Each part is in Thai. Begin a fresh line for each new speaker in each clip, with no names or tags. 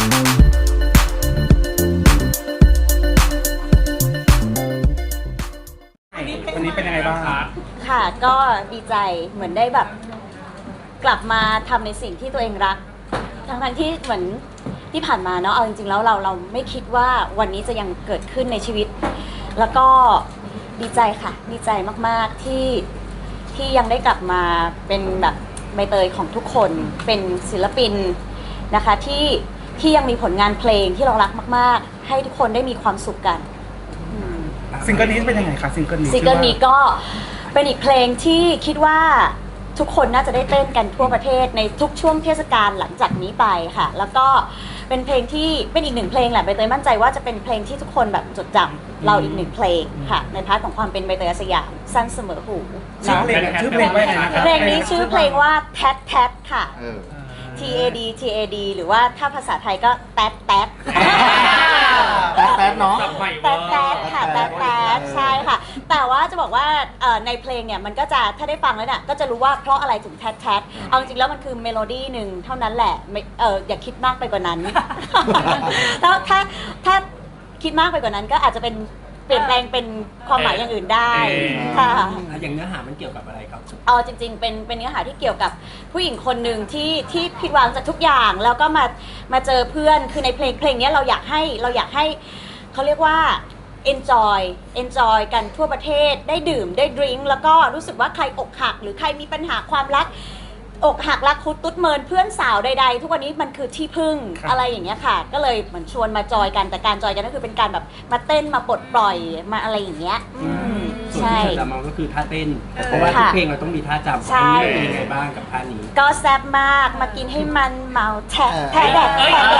วันนี้เป็นยังไงบ้าง
ค่ะก็ดีใจเหมือนได้แบบกลับมาทำในสิ่งที่ตัวเองรักทั้งที่เหมือนที่ผ่านมาเนาะเอาจริงๆแล้วเราไม่คิดว่าวันนี้จะยังเกิดขึ้นในชีวิตแล้วก็ดีใจค่ะดีใจมากๆที่ยังได้กลับมาเป็นแบบใบเตยของทุกคนเป็นศิลปินนะคะที่ยังมีผลงานเพลงที่เรารักมากๆให้ทุกคนได้มีความสุขกัน
ซิงเกิลนี้เป็นยังไงคะซิงเกิล
นี้ก็เป็นอีกเพลงที่คิดว่าทุกคนน่าจะได้เต้นกันทั่วประเทศในทุกช่วงเทศกาลหลังจากนี้ไปค่ะแล้วก็เป็นเพลงที่เป็นอีกหนึ่งเพลงแหละใบเตยมั่นใจว่าจะเป็นเพลงที่ทุกคนแบบจดจำเราอีกหนึ่งเพลงค่ะในพาร์ทของความเป็นใบเตยอาสยามสั้นเสมอหู
ชื่อเพลงว่าไงนะคะ
เพลงนี้ชื่อเพลงว่าแทดแทดค่ะ TAD หรือว่าถ้าภาษาไทยก็แทดแทด
แป๊ดเนาะ
แทดค่ะแทดใช่ค่ะแต่ว่าจะบอกว่าในเพลงเนี่ยมันก็จะถ้าได้ฟังแล้วเนี่ยก็จะรู้ว่าเพราะอะไรถึงแทดเอาจริงแล้วมันคือเมโลดี้หนึ่งเท่านั้นแหละอย่าคิดมากไปกว่านั้น ถ้าคิดมากไปกว่านั้นก็อาจจะเป็นเปลี่ยนแปลงเป็นความหมายอย่างอื่นได้ค่ะ
อย่างเนื้อหามันเกี่ยวกับอะไรครับ
จริงๆเป็นเนื้อหาที่เกี่ยวกับผู้หญิงคนหนึ่งที่ผิดหวังจากทุกอย่างแล้วก็มาเจอเพื่อนคือในเพลงนี้เราอยากให้เขาเรียกว่า enjoy กันทั่วประเทศได้ดื่มได้ดริงก์แล้วก็รู้สึกว่าใครอกหักหรือใครมีปัญหาความรักอกหักรักคุดตุ๊ดเมินเพื่อนสาวใดๆทุกวันนี้มันคือที่พึ่งอะไรอย่างเงี้ยค่ะก็เลยเหมือนชวนมาจอยกันแต่การจอยกันก็คือเป็นการแบบมาเต้นมาปลดปล่อยมาอะไรอย่างเงี้ย
ส่วนที่เธอจำมาก็คือท่าเต้นเพราะว่าทุกเพลงเราต้องมีท่าจำอันนี้เป็นยังไงบ้างกับท่านี้
ก็แซ่บมากมากินให้มันเมาแทะแดด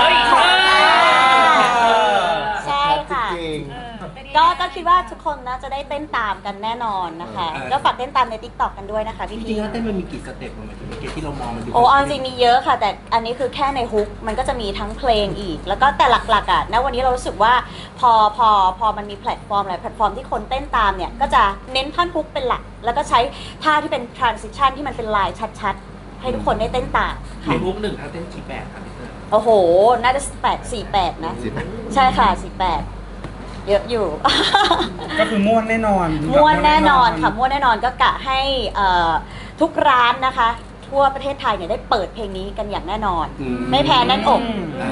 ใช่ค่ะก็คิดว่าทุกคนน่าจะได้เต้นตามกันแน่นอนนะคะก็ฝากเต้นตามใน TikTok กันด้วยนะคะพี่
จริงๆแล้วเต้นมันมีกี่สเต็ปมันถึงเกตที่เรามองมันดู
จริงมีเยอะค่ะแต่อันนี้คือแค่ในฮุกมันก็จะมีทั้งเพลงอีกแล้วก็แต่หลักๆอ่ะณวันนี้เรารู้สึกว่าพอมันมีแพลตฟอร์มหลายแพลตฟอร์มที่คนเต้นตามเนี่ยก็จะเน้นท่อนฮุกเป็นหลักแล้วก็ใช้ท่าที่เป็น transition ที่มันเป็นลายชัดๆให้ทุกคนได้เต้นตาม
ในฮุกหนึ่งท่าเต้นกี่แบบครับ
โอ้โหน่าจะ48นะใช่ค่ะ48เยอะอยู่
ก็คือม่วนแน่นอน
ค่ะม่วนแน่นอนก็กะให้ทุกร้านนะคะทั่วประเทศไทยเนี่ยได้เปิดเพลงนี้กันอย่างแน่นอนไม่แพ้แน่นอก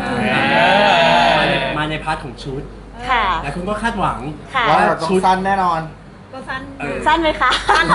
มาในพาร์ทของชุด
ค่ะ
แต่คุณก็คาดหวัง
ว่าเราต้องสั้นแน่นอน
ก็สั้นไหมคะ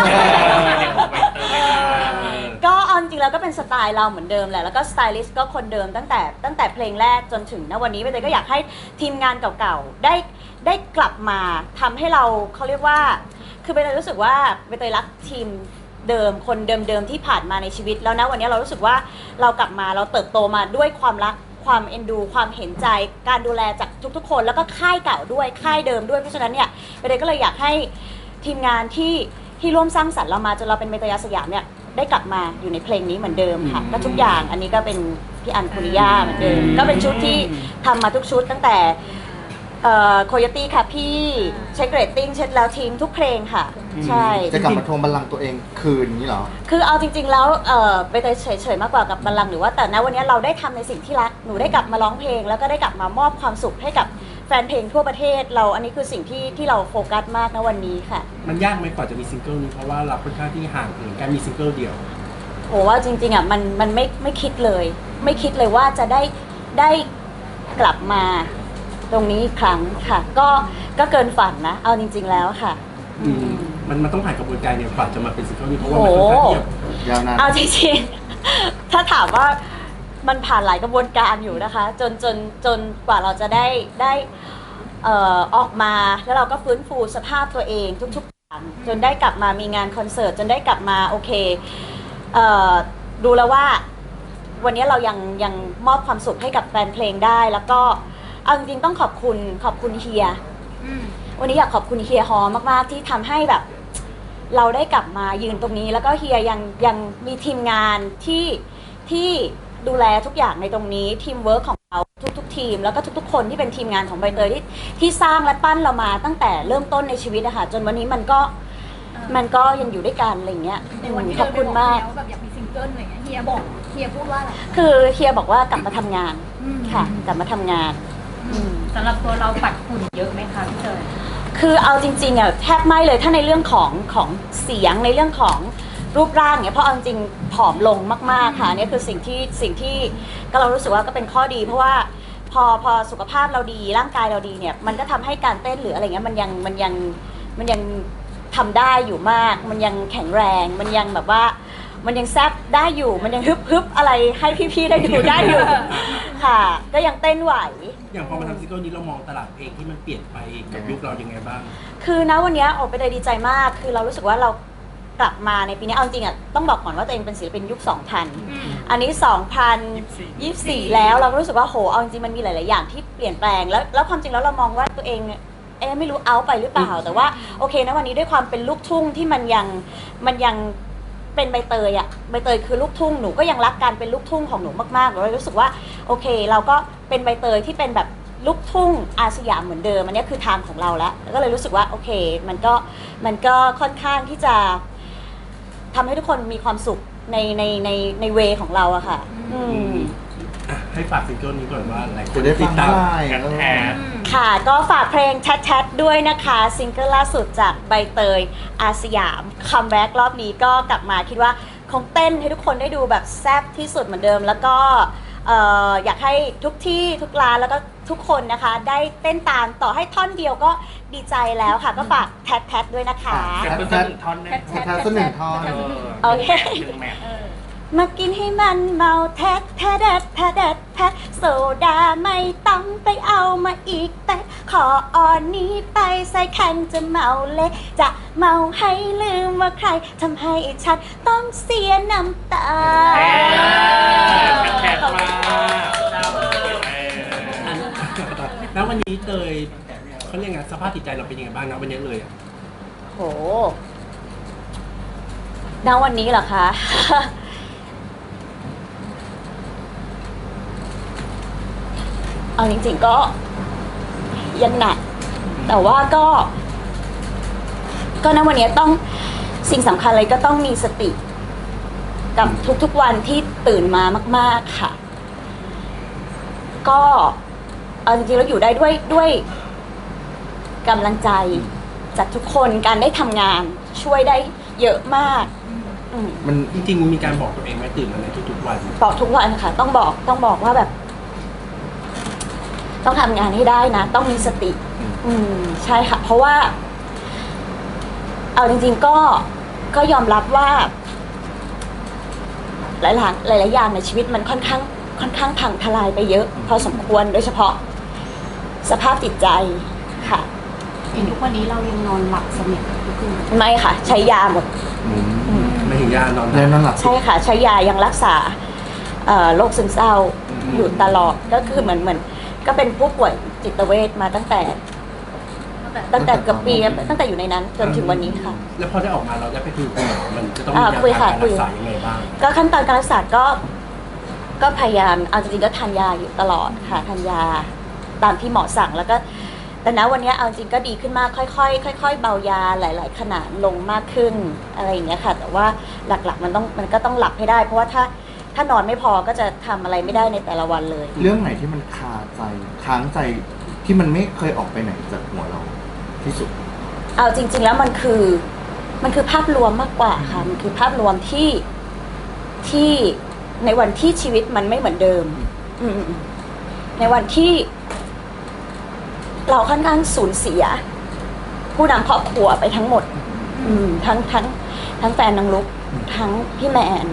ก็จริงๆแล้วก็เป็นสไตล์เราเหมือนเดิมแหละแล้วก็สไตลิสต์ก็คนเดิมตั้งแต่เพลงแรกจนถึงณวันนี้ใบเตยก็อยากให้ทีมงานเก่าๆได้กลับมาทำให้เขาเรียกว่าคือใบเตยรู้สึกว่าใบเตยรักทีมเดิมคนเดิมที่ผ่านมาในชีวิตแล้วนะวันนี้เรารู้สึกว่าเรากลับมาเราเติบโตมาด้วยความรักความเอ็นดูความเห็นใจการดูแลจากทุกๆคนแล้วก็ค่ายเก่าด้วยค่ายเดิมด้วยเพราะฉะนั้นเนี่ยใบเตยก็เลยอยากให้ทีมงานที่ร่วมสร้างสรรค์เรามาจนเราเป็นใบเตยอาสยามเนี่ยได้กลับมาอยู่ในเพลงนี้เหมือนเดิมค่ะก็ทุกอย่างอันนี้ก็เป็นพี่อันคุริยาเหมือนเดิมก็เป็นชุดที่ทำมาทุกชุดตั้งแต่โคโยตี้ค่ะพี่เช็คเรตติ้งเช็คแล้วทิ้งทุกเพลงค่ะใช่
จะกลับมาทวงบัลลังก์ตัวเองคืนนี้เหรอ
คือเอาจริงๆแล้วไปเตยเฉยๆมากกว่ากับบัลลังก์หรือว่าแต่ณวันนี้เราได้ทำในสิ่งที่รักหนูได้กลับมาร้องเพลงแล้วก็ได้กลับมามอบความสุขให้กับแฟนเพลงทั่วประเทศเราอันนี้คือสิ่งที่เราโฟกัสมากณวันนี้ค่ะ
มันยากไหมกว่าจะมีซิงเกิลนี้เพราะว่าเราค่อนข้างที่ห่างเหินการมีซิงเกิลเดียว
โหว่าจริงๆอ่ะมันไม่คิดเลยไม่คิดเลยว่าจะได้กลับมาตรงนี้อีกครั้งค่ะก็เกินฝันนะเอาจริงๆแล้วค่ะ
มันต้องผ่านกระบวนการเนี่ยกว่าจะมาเป็นซิงเกิลนี้เพราะว่ามันค่อนข้าง
ยาวนาน
เอาจริงๆถ้าถามว่ามันผ่านหลายกระบวนการอยู่นะคะจนกว่าเราจะได้ออกมาแล้วเราก็ฟื้นฟูสภาพตัวเองทุกๆอย่างจนได้กลับมามีงานคอนเสิร์ตจนได้กลับมาโอเคดูแล้วว่าวันนี้เรายังมอบความสุขให้กับแฟนเพลงได้แล้วก็เอาจริงๆต้องขอบคุณเฮียวันนี้อยากขอบคุณเฮียฮอมากๆที่ทำให้แบบเราได้กลับมายืนตรงนี้แล้วก็เฮียยังมีทีมงานที่ดูแลทุกอย่างในตรงนี้ทีมเวิร์คของเราทุกทีมแล้วก็ทุกๆคนที่เป็นทีมงานของใบเตยที่สร้างและปั้นเรามาตั้งแต่เริ่มต้นในชีวิตอะค่ะจนวันนี้มันก็ยังอยู่ด้วยกันอะไรเงี้ย
ในวันที่
ขอบคุณมาก
แบบอยากมีซิงเกิลอะไรเงี้ยเฮียบอกเฮียพูดว่าอะไร
คือเฮียบอกว่ากลับมาทำงานค่ะ กลับมาทำงาน
สำหรับตัวเราปัดฝุ่นเยอะไหมคะพี่เตย
คือเอาจริงๆอ่ะแทบไม่เลยถ้าในเรื่องของเสียงในเรื่องของรูปร่างเนี่ยเพราะเอาจริงๆผอมลงมากๆค่ะเนี่ยคือสิ่งที่ก็เรารู้สึกว่าก็เป็นข้อดี เพราะว่าพอสุขภาพเราดีร่างกายเราดีเนี่ยมันก็ทำให้การเต้นหรืออะไรเงี้ยมันยังทำได้อยู่มาก มันยังแข็งแรงมันยังแบบว่ามันยังแซบได้อยู่มันยังฮึบอะไรให้พี่ๆได้ดูได้อยู่ค่ะ ก็ยังเต้นไหว
อย่างพอมาทำซิงเกิลนี้เรามองตลาดเพลงที่มันเปลี่ยนไปกับยุคเรายังไงบ้าง
คือนะวันนี้ออกไปเลยดีใจมาก คือเรารู้สึกว่าเรากลับมาในปีนี้เอาจริงอ่ะต้องบอกก่อนว่าตัวเองเป็นศิลปินยุค 2000 อันนี้ 2024 แล้วเราก็รู้สึกว่าโหเอาจริงๆมันมีหลายๆอย่างที่เปลี่ยนแปลงแล้วความจริงแล้วเรามองว่าตัวเองเนี่ยไม่รู้เอาไปหรือเปล่า แต่ว่าโอเคนะวันนี้ด้วยความเป็นลูกทุ่งที่มันยังเป็นใบเตยอะใบเตยคือลูกทุ่งหนูก็ยังรักการเป็นลูกทุ่งของหนูมากๆเรารู้สึกว่าโอเคเราก็เป็นใบเตยที่เป็นแบบลูกทุ่งอาสยามเหมือนเดิมอันนี้คือทางของเราแล้วก็เลยรู้สึกว่าโอเคมันก็ค่อนข้างที่จะทำให้ทุกคนมีความสุขในเวของเราอะค่ะ
ให้ฝากซิงเกิลนี้ก่อนว่าหลายค
จะ
น
ได้
ติ
ฟั
ด
ง
ตาม
เมื่อไหร่
ค่ะก็ฝากเพลงแชทด้วยนะคะซิงเกิลล่าสุดจากใบเตยอาสยามคัมแบ็กรอบนี้ก็กลับมาคิดว่าคงเต้นให้ทุกคนได้ดูแบบแซ่บที่สุดเหมือนเดิมแล้วก็อยากให้ทุกที่ทุกร้านแล้วก็ทุกคนนะคะได้เต้นตามต่อให้ท่อนเดียวก็ดีใจแล้วค่ะก็ฝากแทดด้วยนะคะ
แทดท่อนสักหนึ่งท่อน
โอเค มากินให้มันเมาแทดโซดาไม่ต้องไปเอามาอีกแต่ขออ่อนนี้ไปใส่แข่งจะเมาเละจะเมาให้ลืมว่าใครทำให้ฉันต้องเสียน้ำตา
แขกมา
แล้ววันนี้เตยเขาเรียกไงสภาพจิตใจเราเป็นยังไงบ้างนะวันนี้เลยอะ
โหณวันนี้เหรอคะ เอาจริงๆก็ยังหนัก แต่ว่าก็ณวันนี้ต้องสิ่งสำคัญเลยก็ต้องมีสติกับทุกๆวันที่ตื่นมามากๆค่ะ ก็เอาจริงๆแล้วอยู่ได้ด้วยกำลังใจจากทุกคนการได้ทำงานช่วยได้เยอะมาก
มันจริงๆมีการบอกตัวเองไหมตื่นมาในทุกๆวัน
บอกทุกวันค่ะ ต้องบอกว่าแบบ ต้องทำงานให้ได้นะ ต้องมีสติ ใช่ค่ะ เพราะว่า เอาจริงๆก็ยอมรับว่า หลายอย่างในชีวิตมันค่อนข้างพังทลายไปเยอะ พอสมควรโดยเฉพาะ สภาพจิตใจค่ะ
อย่างทุกวันนี้เรายังนอนหลับสนิททุกคืน
ไม่ค่ะ ใช้ยาหมด
ไม่ถึงยานอนห
แน่
ลับ
นอนหลับ
ใช่ค่ะ ใช้ยายังรักษาโรคซึมเศร้าอยู่ตลอดก็คือเหมือนก็เป็นผู้ป่วยจิตเวชมาตั้งแต่เกือบปีตั้งแต่อยู่ในนั้นจนถึงวันนี้ค่ะ
แล้วพอได้ออกมาเราได้ไปคุยกับคุณหมอมันจะต้องมี
คุย
ยา
ค่ะ
การ
คุ
รั
ย
กษายังไงบ้าง
ก็ขั้นตอนการรักษาก็พยายามเอาจริงๆก็ทานยาอยู่ตลอดค่ะทานยาตามที่หมอสั่งแล้วก็แต่ณวันนี้เอาจริงก็ดีขึ้นมากค่อยๆเบายาหลายๆขนาดลงมากขึ้นอะไรอย่างเงี้ยค่ะ แต่ว่าหลักๆมันก็ต้องหลับให้ได้ เพราะว่าถ้านอนไม่พอก็จะทำอะไรไม่ได้ในแต่ละวันเลย
เรื่องไหนที่มันคาใจค้างใจที่มันไม่เคยออกไปไหนจากหัวเราที่สุด
เอาจริงๆแล้วมันคือภาพรวมมากกว่าค่ะมันคือภาพรวมที่ในวันที่ชีวิตมันไม่เหมือนเดิมในวันที่เราค่อนข้างสูญเสีย ผู้นำครอบครัวไปทั้งหมดทั้งแฟนนางลุกทั้งพี่แมน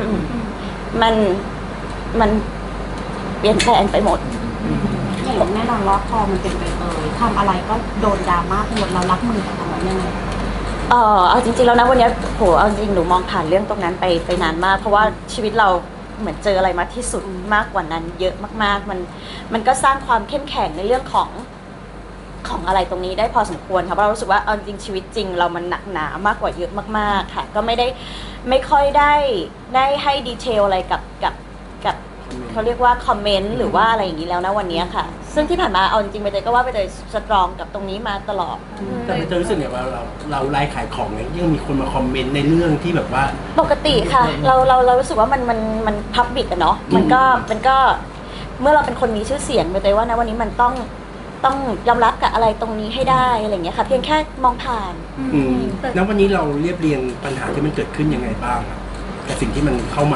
มันเปลี่ยนแปลงไปหมด
อย่างแน่นอนว่าพอมันเป็นใบเตยทำอะไรก็โดนดราม่าหมดเรารับมือกับมันยังไง
เอาจริงๆแล้วนะวันนี้โหเอาจริงหนูมองผ่านเรื่องตรงนั้นไปนานมากเพราะว่าชีวิตเราเหมือนเจออะไรมาที่สุดมากกว่านั้นเยอะมากๆมันก็สร้างความเข้มแข็งในเรื่องของอะไรตรงนี้ได้พอสมควรค่ะเพราะเรารู้สึกว่าเอาจริงชีวิตจริงเรามันหนักหนามากกว่าเยอะมากๆค่ะก็ไม่ค่อยได้ให้ดีเทลอะไรกับเขาเรียกว่าคอมเมนต์หรือว่าอะไรอย่างนี้แล้วนะวันนี้ค่ะ ซึ่งที่ผ่านมาเอาจริงๆไปเตยก็ว่าไปเตยสตรองกับตรงนี้มาตลอด
แต่มันจะรู้สึกเนี่ยว่าเราไลฟ์ขายของเนี่ยยังมีคนมาคอมเมนต์ในเรื่องที่แบบว่า
ปกติค่ะเรารู้สึกว่ามันพับบิกอะเนาะมันก็เมื่อเราเป็นคนมีชื่อเสียงไปเลยว่านะวันนี้มันต้องยอมรับกับอะไรตรงนี้ให้ได้อะไรอย่างเงี้ยค่ะเพียงแค่มองผ่าน
แล้ววันนี้เราเรียบเรียงปัญหาที่มันเกิดขึ้นยังไงบ้างอะกับสิ่งที่มันเข้ามา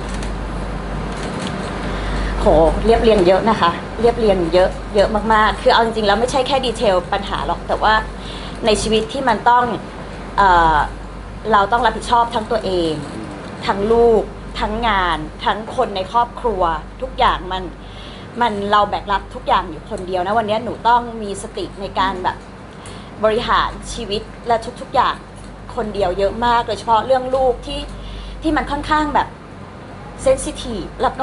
โหเรียบเรียงเยอะนะคะ เรียบเรียงเยอะมากๆคือเอาจริงๆแล้วไม่ใช่แค่ดีเทลปัญหาหรอกแต่ว่าในชีวิตที่มันต้องเราต้องรับผิดชอบทั้งตัวเองทั้งลูกทั้งงานทั้งคนในครอบครัวทุกอย่างมันเราแบกรับทุกอย่างอยู่คนเดียวนะวันนี้หนูต้องมีสติในการแบบบริหารชีวิตและทุกๆอย่างคนเดียวเยอะมากโดยเฉพาะเรื่องลูกที่มันค่อนข้างแบบเซนซิทีฟแล้ว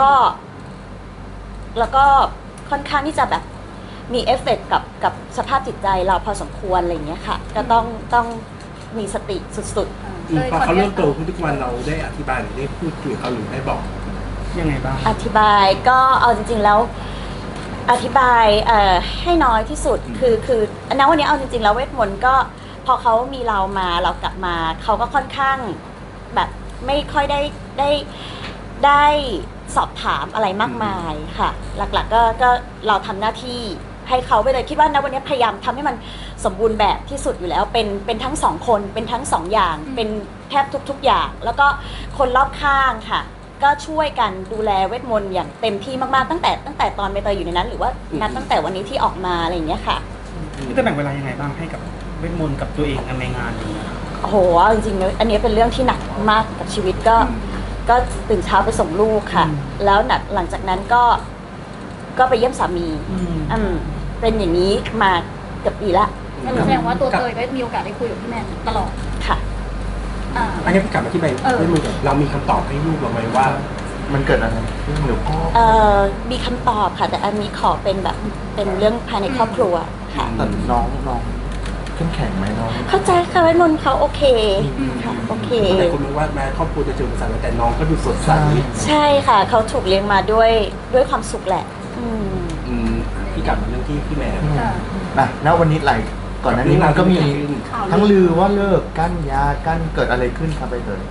ก็ค่อนข้างที่จะแบบมีเอฟเฟกต์กับสภาพจิตใจเราพอสมควรอะไรอย่างเงี้ยค่ะก็ต้องมีสติสุด
พอเขาเริ่มโตขึ้นทุกวันเราได้อธิบายหรือได้พูดคุยกับเขาหรือได้บอก
ยังไงบ้าง
ๆอธิบายก็เอาจริงๆแล้วอธิบายให้น้อยที่สุดคือณวันนี้เอาจริงๆแล้วเวทมนต์ก็พอเขามีเรามาเรากลับมาเขาก็ค่อนข้างแบบไม่ค่อยได้สอบถามอะไรมากมายค่ะหลักๆก็เราทำหน้าที่ให้เขาไปเลยคิดว่าณวันนี้พยายามทำให้มันสมบูรณ์แบบที่สุดอยู่แล้วเป็นทั้งสองคนเป็นทั้งสองอย่างเป็นแทบทุกๆอย่างแล้วก็คนรอบข้างค่ะก็ช่วยกันดูแลเวทมนต์อย่างเต็มที่มากๆตั้งแต่ตอนใบเตยอยู่ในนั้น หรือว่านับตั้งแต่วันนี้ที่ออกมาอะไรอย่างเงี้ยค่ะ
พี่จะแบ่งเวลายังไงบ้างให้กับเวทมนต์กับตัวเองในงานอย่างเงี้ย
โอ้โหจริงๆอันนี้เป็นเรื่องที่หนักมากกับชีวิตก็ตื่นเช้าไปส่งลูกค่ะแล้วหลังจากนั้นก็ไปเยี่ยมสามีเป็นอย่างนี้มาเกือบปีละ
แสดงว่าตัวเตยได้มีโอกาสได้คุยกับพี่แมนตลอด
ค่ะ
อันนี้พี่กลับมาที่ใบด้วยมือเรามีคำตอบให้ลูกเราไหมว่า
มันเกิดอะไรขึ้นหรือพ่อ
มีคำตอบค่ะแต่อันนี้ขอเป็นแบบเป็นเรื่องภายในครอบครัวค่ะ
แต่น้องเข้มแข็งไหมน้อง
เข้าใจค่ะเวทมนต์เขาโอเคค่ะโอเค
แต่คนบอกว่าแม้ครอบครัวจะเจออุปสรรคแต่น้องก็ดูสดใส
ใช่ค่ะเขาถูกเลี้ยงมาด้วยความสุขแหละ
พี่กลับมาเรื่องที่พี่แม่
ณวันนี้ก่อนหน้านี้มันก็มีทั้งลือว่าเลิกกั้นยากั้นเกิดอะไรขึ้นครับไปเตย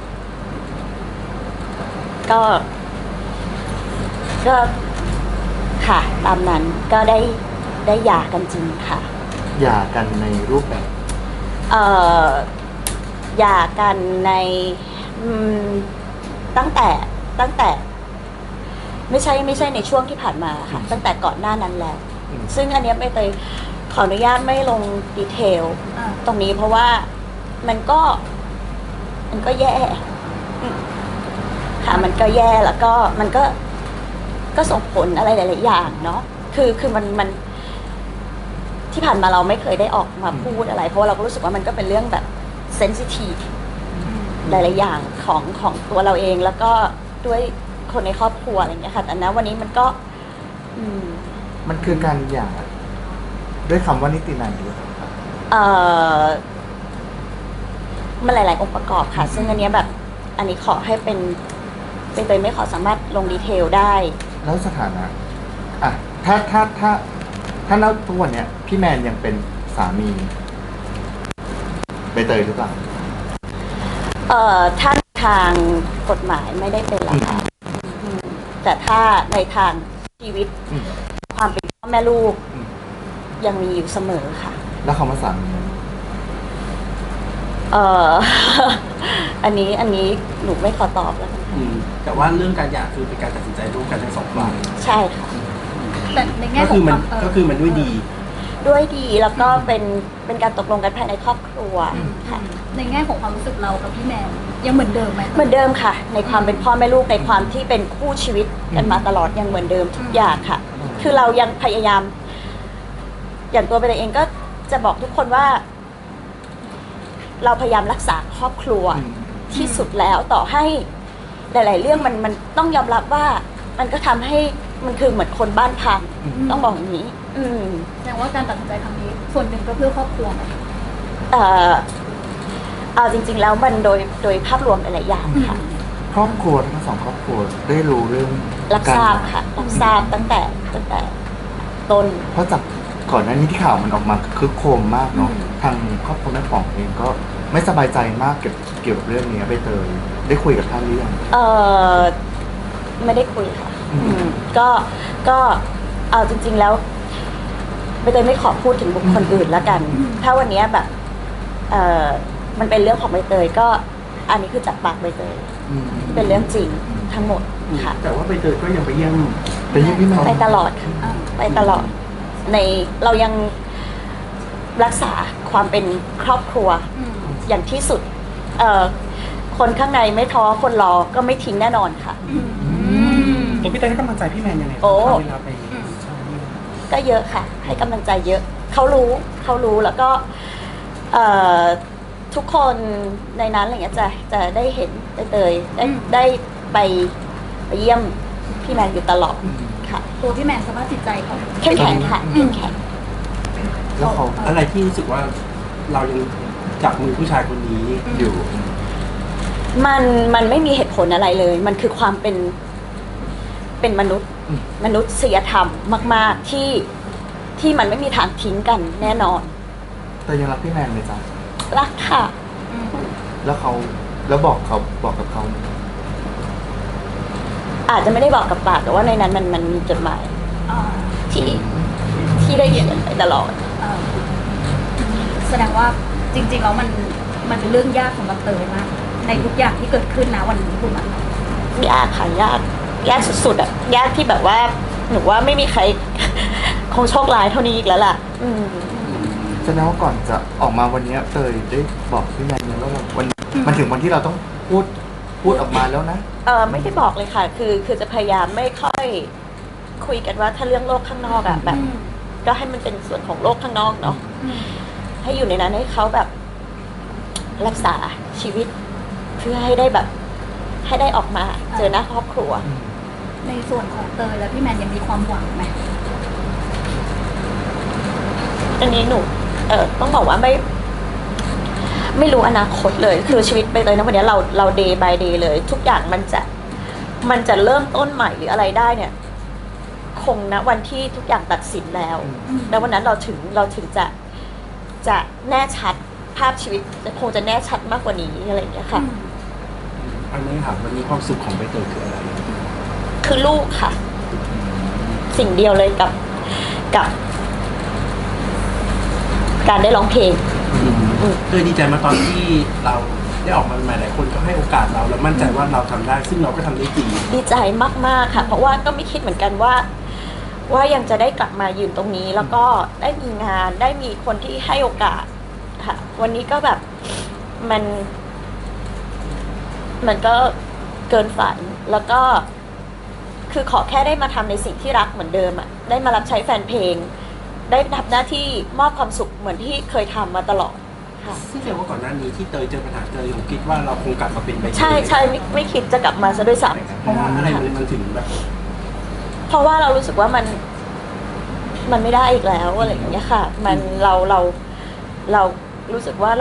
ก็ค่ะตามนั้นก็ได้หย่ากันจริงค่ะ
หย่ากันในรูปแบบ
หย่ากันในตั้งแต่ไม่ใช่ในช่วงที่ผ่านมาค่ะตั้งแต่ก่อนหน้านั้นแล้วซึ่งอันเนี้ยไม่เคยขออนุญาตไม่ลงดีเทลตรงนี้เพราะว่ามันก็แย่ค่ะมันก็แย่แล้วก็มันก็ส่งผลอะไรหลายๆอย่างเนาะคือมันที่ผ่านมาเราไม่เคยได้ออกมาพูดอะไรเพราะว่าเราก็รู้สึกว่ามันก็เป็นเรื่องแบบเซนซิทีฟหลายๆอย่างของตัวเราเองแล้วก็ด้วยคนในครอบครัวอะไรอย่างเงี้ยค่ะแต่นะวันนี้มันก็
มันคือการหย่าด้วยคำว่านิตินัยหรือเปล่าครับ
มันหลาย ๆ องค์ประกอบค่ะซึ่งอันเนี้ยแบบอันนี้ขอให้เป็นไม่ขอสามารถลงดีเทลได้
แล้วสถานะถ้าณทุกวันเนี้ยพี่แมนยังเป็นสามีใบเตยหรือเปล่า
ถ้าทางกฎหมายไม่ได้เป็นแล้วค่ะแต่ถ้าในทางชีวิตความเป็นพ่อแม่ลูกยังมีอยู่เสมอค่ะ
แล้วคำว่าสามี
อันนี้หนูไม่ขอตอบแล้ว
แต่ว่าเรื่องการหย่าคือเป็นการตัดสินใจร่วมกันทั้งสองฝ่าย
ใช่ค่ะ
แต่ในแง่ของ
ก็คือมันด้วยดี
แล้วก็เป็นการตกลงกันภายในครอบครัวค่ะ
ในแง่ของความรู้สึกเรากับพี่แมนยังเหมือนเดิมไหม
เหมือนเดิมค่ะในความเป็นพ่อแม่ลูกในความที่เป็นคู่ชีวิตกันมาตลอดยังเหมือนเดิมทุกอย่างค่ะคือเรายังพยายามอย่างตัวเองก็จะบอกทุกคนว่าเราพยายามรักษาครอบครัวที่สุดแล้วต่อให้หลายๆเรื่องมันต้องยอมรับว่ามันก็ทำให้มันคือเหมือนคนบ้านพังต้องบอกอย่างนี้
แสดงว่าการตัดสินใจครั้งนี้ส่วนหนึ่งก็เพื่อครอบครัวไหม
เอาจริงๆแล้วมันโดยภาพรวมหลายๆอย่างค่ะ
รอบครัวทั้งสองครอบครัวได้รู้เรื่อง
รับทราบค่ะรับทราบตั้งแต่ต้น
เพราะจากก่อนหน้านี้ที่ข่าวมันออกมาคึกโครมมากเนาะทางครอบครัวแม่ป๋องเองก็ไม่สบายใจมากเกี่ยวกับเรื่องนี้ใบเตยได้คุยกับท่านหรือยัง
ไม่ได้คุยค่ะ
อืม
ก็เอาจริง ๆแล้วใบเตยไม่ขอพูดถึงบุคคลอื่นแล้วกัน ถ้าวันนี้แบบมันเป็นเรื่องของใบเตยก็อันนี้คือจากปากใบเตย เป็นเรื่องจริงทั้งหมดค่ะ
แต่ว่าใบเตยก็ยังไปเยี่ยม
ไปเยี่ยมพี่แมน
ไปตลอดค่ะไปตลอดในเรายังรักษาความเป็นครอบครัวอย่างที่สุดคนข้างในไม่ท้อคนรอก็ไม่ทิ้งแน่นอนค่ะ
ตัวพี่เตยให้กำลังใจพี่แมนยังไง
โอ้
เวลาไปใช่
ก็เยอะค่ะ ให้กำลังใจเยอะเขารู้แล้วก็ทุกคนในนั้นอะไรเงี้ยจะได้เห็นใบเตยได้ไปเยี่ยมพี่แมนอยู่ตลอดค่ะ
ตัวพี่แมนสภาพจิตใจเขา
เข้มแข็งค่ะเข้มแข็ง
แล้วเขา
อะไรที่รู้สึกว่าเรายังจับมือผู้ชายคนนี้อยู่
มันไม่มีเหตุผลอะไรเลย มันคือความเป็นมนุษย์มนุษยธรรมมาก ๆที่มันไม่มีทางทิ้งกันแน่นอน
แต่ยังรักพี่แมนเลยจ้ะ
รักค่ะ
แล้วบอกกับเขา
อาจจะไม่ได้บอกกับปากแต่ว่าในนั้นมันมีจดหมายที่ได้เขียนไปตลอด
แสดงว่าจริงๆแล้วมันเป็นเรื่องยากสำหรับเตยมากในทุกอย่างที่เกิดขึ้นนะวันนี้คุณมัน
ยากค่ะยากสุดๆอ่ะยากที่แบบว่าหนูว่าไม่มีใคร คงโชคร้ายเท่านี้อีกแล้วล่ะ
แสดงว่าก่อนจะออกมาวันนี้เตยได้บอกพี่แมนแล้วว่ามันถึงวันที่เราต้องพูดออกมาแล้วนะ
ไม่ได้บอกเลยค่ะ คือจะพยายามไม่ค่อยคุยกันว่าถ้าเรื่องโลกข้างนอกอะแบบ ก็ให้มันเป็นส่วนของโลกข้างนอกเนาะให้อยู่ในนั้นให้เขาแบบรักษาชีวิต เพื่อให้ได้แบบให้ได้ออกมาเจอหน้าครอบครัว
ในส่วนของเตยและพี่แมนยังมีความหวังไหม
อันนี้หนูต้องบอกว่าไม่รู้อนาคตเลย คือชีวิตไปเลยนะวันนี้เรา day by day เลย ทุกอย่างมันจะเริ่มต้นใหม่หรืออะไรได้เนี่ย คงนะวันที่ทุกอย่างตัดสินแล้วแล้ววันนั้นเราถึงจะแน่ชัดภาพชีวิตคงจะแน่ชัดมากกว่านี้อะไรอย่างเงี้ยค่ะ
อันนี้ถามวันนี้ความสุขของใบเตยคืออะไร
คือลูกค่ะ สิ่งเดียวเลยกับการได้ร้องเพลง
เตยดีใจมาตอนที่เราได้ออกมาใหม่หลายคนก็ให้โอกาสเราแล้วมั่นใจว่าเราทำได้ซึ่งเราก็ทำได้จริง
ดีใจมากๆค่ะ เพราะว่าก็ไม่คิดเหมือนกันว่ายังจะได้กลับมายืนตรงนี้ แล้วก็ได้มีงานได้มีคนที่ให้โอกาสค่ะ วันนี้ก็แบบมันก็เกินฝันแล้วก็คือขอแค่ได้มาทำในสิ่งที่รักเหมือนเดิมอะได้มารับใช้แฟนเพลง ได้ทำหน้าที่มอบความสุขเหมือนที่เคยทำมาตลอดค่ะ
ซึ่งแสดงว่าก่อนหน้านี้ที่เตยเจอปัญหาเตยผมคิดว่าเราคงกลับมาเป็นใบเตย
ใช่ไม่คิดจะกลับมาซะด้วยซ้
เพราะว่าอะไรมันถึงแบบ
ำเพราะว่าเรารู้สึกว่ามันไม่ได้อีกแล้วอะไรอย่างเงี้ยค่ะ มันเรารู้สึกว่า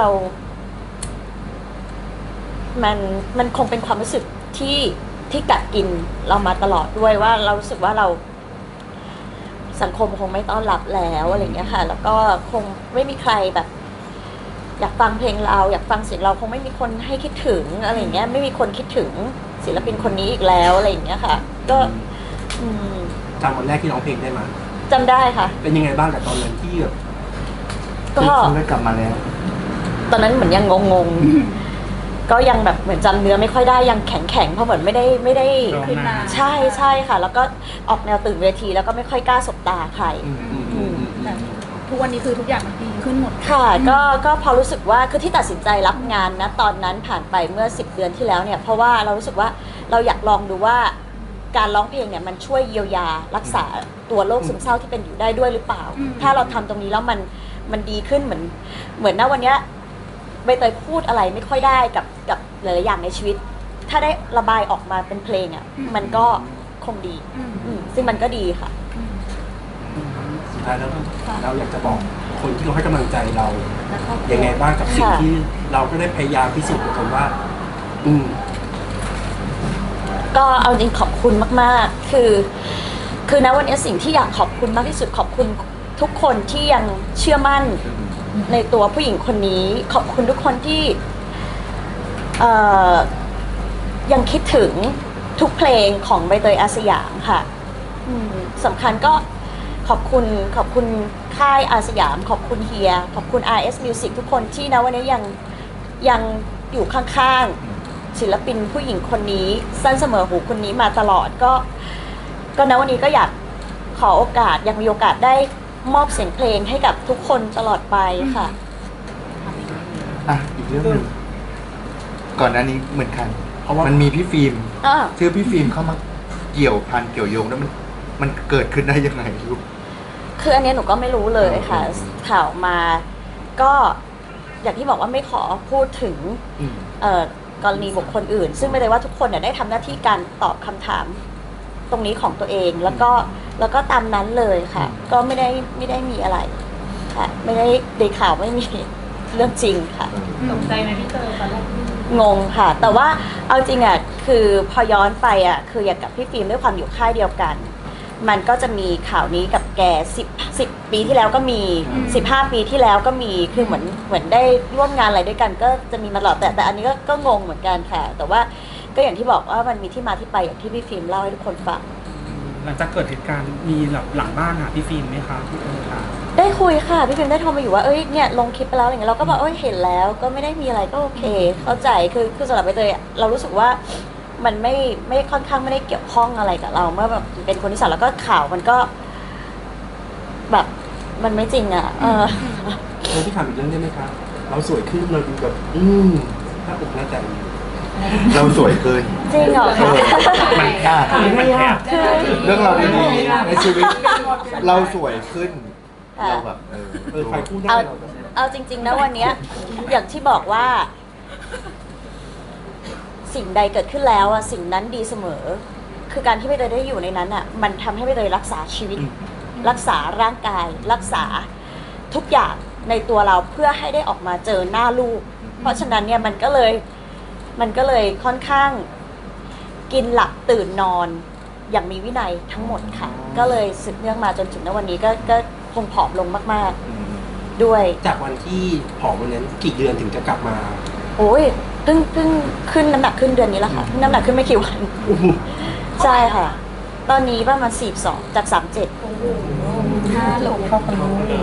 มันคงเป็นความรู้สึกที่กัดกินเรามาตลอดด้วยว่าเรารู้สึกว่าเราสังคมคงไม่ต้อนรับแล้วอะไรอย่างเงี้ยค่ะ แล้วก็คงไม่มีใครแบบ อยากฟังเพลงเราอยากฟังเสียงเราคงไม่มีคนให้คิดถึงอะไรอย่างเงี้ยไม่มีคนคิดถึงศิลปินคนนี้อีกแล้วอะไรอย่างเงี้ยค่ะ ก็
จำวันแรกที่ร้องเพลงได้ไหม
จำได้ค่ะ
เป็นยังไงบ้างกับตอนนั้นที่แบบ
ก็
ได้กลับมาแล้ว
ตอนนั้นเหมือนยังงงก็ยังแบบเหมือนจำเนื้อไม่ค่อยได้ยังแข็งเพราะเหมือนไม่ได้
ขึ้นมา
ใช่ค่ะ แล้วก็ออกแนวตื่นเวทีแล้วก็ไม่ค่อยกล้าสบตาใคร
แต่ทุกวันนี้คือทุกอย่างมันดีขึ้นหมด
ค่ะก็พอรู้สึกว่าคือที่ตัดสินใจรับงานนะตอนนั้นผ่านไปเมื่อ10 เดือนที่แล้วเนี่ยเพราะว่าเรารู้สึกว่าเราอยากลองดูว่าการร้องเพลงเนี่ยมันช่วยเยียวยารักษาตัวโรคซึมเศร้าที่เป็นอยู่ได้ด้วยหรือเปล่า ถ้าเราทำตรงนี้แล้วมันดีขึ้นเหมือนณวันเนี้ยใบเตยพูดอะไรไม่ค่อยได้กับหลายๆอย่างในชีวิต ถ้าได้ระบายออกมาเป็นเพลงอ่ะมันก็คงดีซึ่งมันก็ดีค่ะ
สุดท้ายแล้วเราอยากจะบอกคนที่เขาให้กำลังใจเรายังไงบ้างกับสิ่งที่เราก็ได้พยายามพิสูจน์กับคนว่า
ก็เอาจริงขอบคุณมากๆคือณวันนี้สิ่งที่อยากขอบคุณมากที่สุดขอบคุณทุกคนที่ยังเชื่อมั่นในตัวผู้หญิงคนนี้ขอบคุณทุกคนที่ยังคิดถึงทุกเพลงของใบเตยอาสยามค่ะสำคัญก็ขอบคุณค่ายอาสยามขอบคุณเฮียขอบคุณ RS Music ทุกคนที่นะวันนี้ยังอยู่ข้างๆศิลปินผู้หญิงคนนี้สั้นเสมอหูคนนี้มาตลอดก็นะวันนี้ก็อยากขอโอกาสยังมีโอกาสได้มอบเสียงเพลงให้กับทุกคนตลอดไปค่ะ
อ่ะอีกเรื่องหนึ่งก่อนหน้านี้เหมือนกัน
เพราะว่า
มันมีพี่ฟิล์ม
อ่า
ชื่อพี่ฟิล์มเข้ามาเกี่ยวพันเกี่ยวโยงแล้วมันเกิดขึ้นได้ยังไงลูก
คืออันเนี้ยหนูก็ไม่รู้เลยค่ะ ข่าวมาก็อย่างที่บอกว่าไม่ขอพูดถึง
อืม
กรณีบุคคลอื่น ซึ่งไม่ได้ว่าทุกคนเนี่ยได้ทำหน้าที่การตอบคำถามตรงนี้ของตัวเองแล้วก็ตามนั้นเลยค่ะ ก็ไม่ได้มีอะไรค่ะไม่ได้ในข่าวไม่มีเรื่องจริงค่ะ
ตกใจไหมพี่เตยตอนแรก
งงค่ะ แต่ว่าเอาจริงอ่ะคือพอย้อนไปอ่ะคืออย่างกับพี่ฟิล์มด้วยความอยู่ค่ายเดียวกัน มันก็จะมีข่าวนี้กับแก10 ปีที่แล้วก็มี15 ปีที่แล้วก็มีคือเหมือนได้ร่วมงานอะไรด้วยกัน ก็จะมีมาตลอดแต่อันนี้ก็งงเหมือนกันค่ะ แต่ว่าก็อย่างที่บอกว่ามันมีที่มาที่ไปอย่างที่พี่ฟิล์มเล่าให้ทุกคนฟัง
หลังจากเกิดเหตุการณ์มีหลังบ้านหาพี่ฟิล์มไหมคะพี่เตยค่ะ
ได้คุยค่ะพี่ฟิล์มได้โทรมาอยู่ว่าเอ้ยเนี่ยลงคลิปไปแล้วอะไรเงี้ยเราก็บอกเอ้ยเห็นแล้วก็ไม่ได้มีอะไรก็โอเค เข้าใจคือสำหรับใบเตยอะเรารู้สึกว่ามันไม่ค่อนข้างไม่ได้เกี่ยวข้องอะไรกับเราเมื่อแบบเป็นคนที่สามแล้วก็ข่าวมันก็ แบบมันไม่จริงอ่ะ
พี่ถามอีกเรื่องได้ไหมครับเราสวยขึ้นเราดูแบบหน้าอกหน้าใจ
เราสวยเกิน
จริงเหรอคะ
มันยาก
ไม่ยาก
เรื่องเราดีๆในชีวิต เราสวยขึ้น
ค่ะ
เราแบบ
ใครพูดได้
เอา
เราก็
เอาจริง ๆนะวันเนี้ยอย่างที่บอกว่า สิ่งใดเกิดขึ้นแล้วอะสิ่งนั้นดีเสมอ คือการที่ใบเตยได้อยู่ในนั้นอะมันทำให้ใบเตยรักษาชีวิต รักษาร่างกาย รักษาทุกอย่างในตัวเราเพื่อให้ได้ออกมาเจอหน้าลูก เพราะฉะนั้นเนี่ยมันก็เลยค่อนข้างกินหลับตื่นนอนอย่างมีวินัยทั้งหมดค่ะ ก็เลยสืบเนื่องมาจนถึงณวันนี้ก็คงผอมลงมากๆด้วย
จากวันที่ผอมวันนั้นกี่เดือนถึงจะกลับมา
โอ้ยเพิ่งขึ้นน้ำหนักขึ้นเดือนนี้แล้วค่ะเพิ่งน้ำหนักขึ้นไม่กี่วัน ใช่ค่ะ ตอนนี้ประมาณ42จาก37
5 โลเข้าไป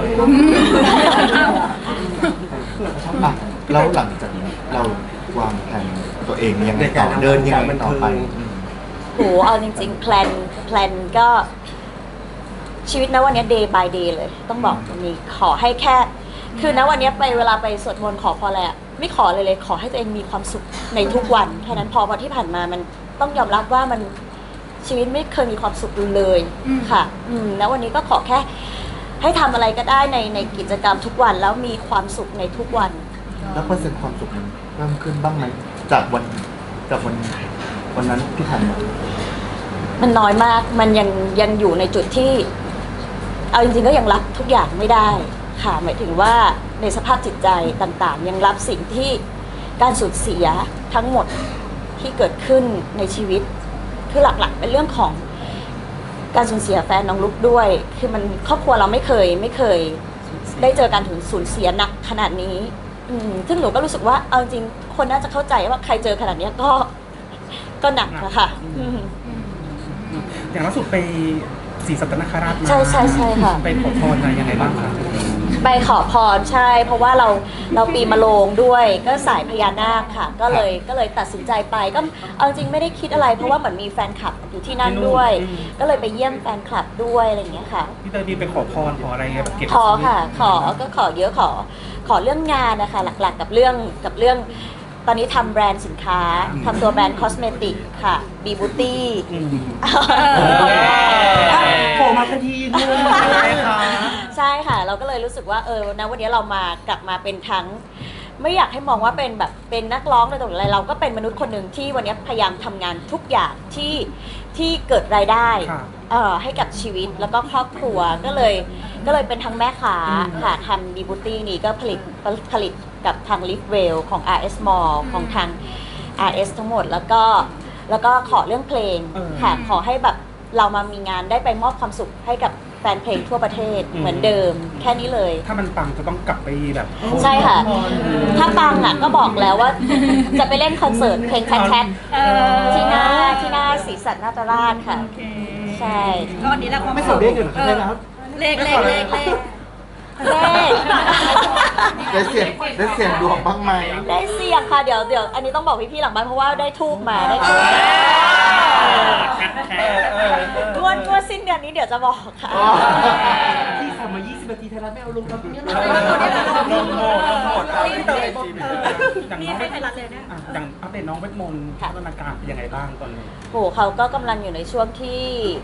อ่ะแล้วหลังจากนี้เราวางแผนตัวเองยังไงต่อเดินยังไงต่อไป
โหเอาจริงๆแพลนก็ชีวิตนะวันนี้ day by day เลย ต้องบอกตรงนี้ขอให้แค่ คือนะวันนี้ไปเวลาไปสวดมนต์ขอพรอะไรอะไม่ขอเลยขอให้ตัวเองมีความสุขในทุกวันแค่นั้นพอวันที่ผ่านมามันต้องยอมรับว่ามันชีวิตไม่เคยมีความสุขเลยค่ะแล้ววันนี้ก็ขอแค่ให้ทำอะไรก็ได้ในกิจกรรมทุกวันแล้วมีความสุขในทุกวัน
แล้วเปอร์เซ็นต์ความสุขมันเพิ่มขึ้นบ้างไหมจากวันนั้นที่ผ่านมา
มันน้อยมาก มันยังอยู่ในจุดที่ เอาจริงๆก็ยังรับทุกอย่างไม่ได้ค่ะหมายถึงว่าในสภาพจิตใจต่างๆ ยังรับสิ่งที่การสูญเสียทั้งหมดที่เกิดขึ้นในชีวิต คือหลักๆเป็นเรื่องของการสูญเสียแฟนน้องลุกด้วย คือมันครอบครัวเราไม่เคยได้เจอการสูญเสียหนักขนาดนี้ซึ่งหนูก็รู้สึกว่าเอาจริงคนน่าจะเข้าใจว่าใครเจอขนาดนี้ก็หนักนะคะ
อย่างล่าสุดไปศรีสัตนคราชมา
ใช่ค่ะ
ไปขอพรอะไรยังไงบ้างคะ
ไปขอพรใช่ เพราะว่าเราปีมะโรงด้วยก็สายพญานาคค่ะ ก็เลยตัดสินใจไปก็เอาจริงไม่ได้คิดอะไร เพราะว่าเหมือนมีแฟนคลับอยู่ที่นั่นด้วย ก็เลยไปเยี่ยมแฟนคลับด้วยอะไรอย่างเงี้ยค่ะ
พี่เตยมีไปขอพรขออะไรแบบเก็บ
ขอค่ะขอเยอะขอเรื่องงานนะคะหลักๆกับเรื่องตอนนี้ทำแบรนด์สินค้าทำตัวแบรนด์คอสเมติกค่ะบีบูตี้
โผล่มาทันทีเลยค่ะ
ใช่ค่ะ เราก็เลยรู้สึกว่านะวันนี้เรากลับมาเป็นทั้ง ไม่อยากให้มองว่าเป็นแบบเป็นนักร้องอะไรต่างๆอะไรเราก็เป็นมนุษย์คนหนึ่งที่วันนี้พยายามทำงานทุกอย่างที่เกิดรายได้ให้กับชีวิตแล้วก็ครอบครัวก็เลยเป็นทั้งแม่ค้าค่ะทำบีบูตี้นี่ก็ผลิตกับทาง Live Well ของ RS Mall ของทาง RS ทั้งหมดแล้วก็แล้วก็ขอเรื่องเพลง
เออ
ค่ะขอให้แบบเรามามีงานได้ไปมอบความสุขให้กับแฟนเพลงทั่วประเทศเหมือนเดิมแค่นี้เลย
ถ้ามันปังจะต้องกลับไปแบบ
ใช่ค่ะ ถ้าปังอ่ะก็บอกแล้วว่า จะไปเล่นคอนเสิร์ตเพลงแชท
เออ
ที่หน้าศรีสันนาตราชค่ะ
โอเค
ใช่
ก็วันนี้แหละความ
ไม่ขอเด้งกันเหรอได้แล้ว
เลข
เลข
ได้เสียงดวงบ้างไหม
ได้เสี่ยงค่ะเดี๋ยวอันนี้ต้องบอกพี่ๆหลังบ้านเพราะว่าได้ทูบมาได้ทูบมางวดสิ้นเดือนนี้เดี๋ยวจะบอกค่ะ
ที่ทำมา 20 นาทีไทยรัฐไม่เอาลงครับเนี่ย
อย่าง
นี่
น้อง
ให้ไทยรัฐเลยนะ
อย่างอัปเดตน้องเวทมนต์พัฒนาการเป็นยังไงบ้างตอนนี้
โหเขาก็กำลังอยู่ในช่วงที่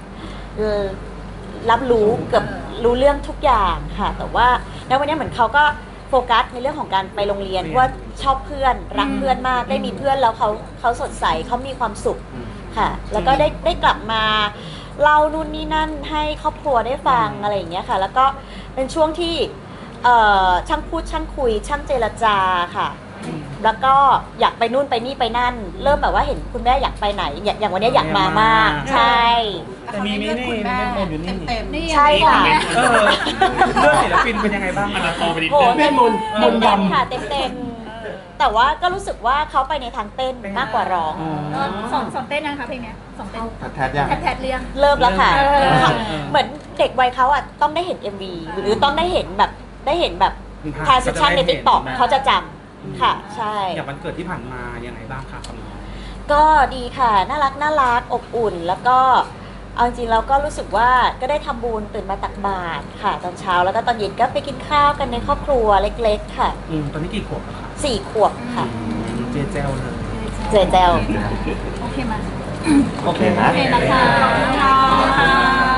รับรู้เกือบรู้เรื่องทุกอย่างค่ะ แต่ว่าในวันนี้เหมือนเขาก็โฟกัสในเรื่องของการไปโรงเรียนว่าชอบเพื่อนรักเพื่อนมากได้มีเพื่อนแล้วเขาสดใสเขามีความสุขค่ะ แล้วก็ได้กลับมาเล่านู่นนี่นั่นให้ครอบครัวได้ฟังอะไรอย่างเงี้ยค่ะ แล้วก็เป็นช่วงที่ช่างพูดช่างคุย ช่างเจรจาค่ะ แล้วก็อยากไปนู่นไปนี่ไปนั่น เริ่มแบบว่าเห็นคุณแม่อยากไปไหน อย่างวันนี้อยากมามาก ใช่
แต่มีนี่เวทมนต์อยู่นี่
นี่
ใช่ค่ะ
เออเรื่องศิลปินเป็นยังไงบ้างอนาคตไปดิ
โห
เวทมนต์มนต์
เต็ม
ดำ
ค่ะเต็มแต่ว่าก็รู้สึกว่าเขาไปในทางเต้นมากกว่าร้อง
สอนเต้นนะคะเพลงเนี้ยสอนเต้น
แทดยัง
แทดเรียง
เริ่มแล้วค่ะ
เออ
เหมือนเด็กวัยเขาอ่ะต้องได้เห็น MV หรือต้องได้เห็นแบบทรานซิชันใน TikTok เขาจะจำค่ะ ใช่
อย่างวันเกิดที่ผ่านมายังไงบ้างคะกับน้อง
ก็ดีค่ะน่ารักอบอุ่น แล้วก็เอาจริงๆเราก็รู้สึกว่าก็ได้ทำบุญตื่นมาตักบาตรค่ะ ตอนเช้าแล้วก็ตอนเย็นก็ไปกินข้าวกันในครอบครัวเล็กๆค่ะ
ตอนนี้กี่ขวบแล้วคะ
4 ขวบค่ะ
เจเจลเลย
เจเจล
โอเคมา
โอเค
นะ
โอเคนะคะ